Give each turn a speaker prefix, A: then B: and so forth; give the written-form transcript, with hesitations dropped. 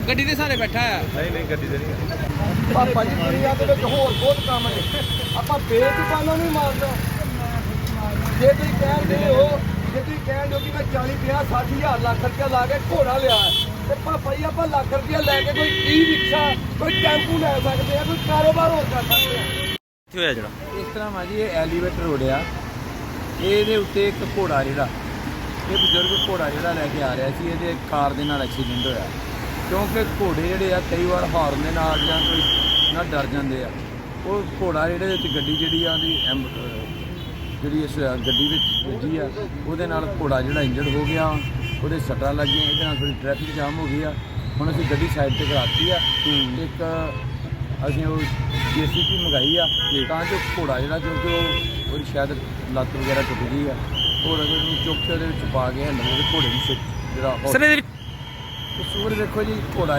A: ਗੱਡੀ ਦੇ ਸਾਰੇ ਬੈਠਾ ਆ।
B: ਨਹੀਂ ਗੱਡੀ ਤੇ ਨਹੀਂ।
C: ਪਾਪਾ ਜੀ ਦੁਨੀਆ ਦੇ ਵਿੱਚ ਹੋਰ ਬਹੁਤ ਕੰਮ ਨੇ, ਆਪਾਂ ਬੇਜ਼ੁਬਾਨਾਂ ਨੂੰ ਮਾਰਦਾ। ਜੇ ਤੁਸੀਂ ਕਹਿੰਦੇ ਹੋ, ਜੇ ਤੁਸੀਂ ਕਹਿੰਦੇ ਹੋ ਕਿ ਮੈਂ 40 50 60 ਹਜ਼ਾਰ ਲੱਖ ਰੁਪਇਆ ਲਾ ਕੇ ਘੋੜਾ ਲਿਆ ਤੇ ਪਾਪਾ ਜੀ ਆਪਾਂ ਲੱਖ ਰੁਪਇਆ ਲੈ ਕੇ ਕੋਈ ਈ ਰਿਕਸ਼ਾ ਕੋਈ ਟੈਂਪੂ ਲੈ ਸਕਦੇ ਆ, ਕੋਈ ਕਾਰੋਬਾਰ ਹੋਰ ਕਰ ਸਕਦੇ ਆ।
B: ਕੀ ਹੋਇਆ ਜਿਹੜਾ
C: ਇਸ ਤਰ੍ਹਾਂ ਵਾ ਜੀ, ਇਹ ਐਲੀਵੇਟਰ ਰੋਡ ਆ, ਇਹਦੇ ਉੱਤੇ ਇੱਕ ਘੋੜਾ ਜਿਹੜਾ ਇਹ ਬਜ਼ੁਰਗ ਘੋੜਾ ਜਿਹੜਾ ਲੈ ਕੇ ਆ ਰਿਹਾ ਸੀ, ਇਹਦੇ ਕਾਰ ਦੇ ਨਾਲ ਐਕਸੀਡੈਂਟ ਹੋਇਆ। ਕਿਉਂਕਿ ਘੋੜੇ ਜਿਹੜੇ ਆ ਕਈ ਵਾਰ ਹਾਰਨ ਦੇ ਨਾਲ ਜਾਂ ਕੋਈ ਨਾ ਡਰ ਜਾਂਦੇ ਆ। ਉਹ ਘੋੜਾ ਜਿਹੜੇ ਵਿੱਚ ਗੱਡੀ ਜਿਹੜੀ ਆ ਉਹਦੀ ਜਿਹੜੀ ਇਸ ਗੱਡੀ ਵਿੱਚ ਵੱਜੀ ਆ, ਉਹਦੇ ਨਾਲ ਘੋੜਾ ਜਿਹੜਾ ਇੰਜਰਡ ਹੋ ਗਿਆ, ਉਹਦੇ ਸੱਟਾਂ ਲੱਗੀਆਂ, ਇਹਦੇ ਨਾਲ ਥੋੜ੍ਹੀ ਟ੍ਰੈਫਿਕ ਜਾਮ ਹੋ ਗਈ ਆ। ਹੁਣ ਅਸੀਂ ਗੱਡੀ ਸਾਈਡ ਤੇ ਕਰਾਤੀ ਆ। ਇੱਕ ਅਸੀਂ ਉਹ JCB ਮੰਗਾਈ ਆ ਤਾਂ ਜੋ ਘੋੜਾ ਜਿਹੜਾ, ਕਿਉਂਕਿ ਉਹਦੀ ਸ਼ਾਇਦ ਲੱਤ ਵਗੈਰਾ ਟੁੱਟ ਗਈ ਆ, ਘੋੜੇ ਨੂੰ ਚੁੱਕ ਕੇ ਉਹਦੇ ਵਿੱਚ ਪਾ ਕੇ ਹੈਂਡਲ ਉਹਦੇ ਘੋੜੇ ਨੂੰ ਜਿਹੜਾ
B: ਸਰ ਇਹਦੇ
C: ਕਸੂਰ ਦੇਖੋ ਜੀ, ਘੋੜਾ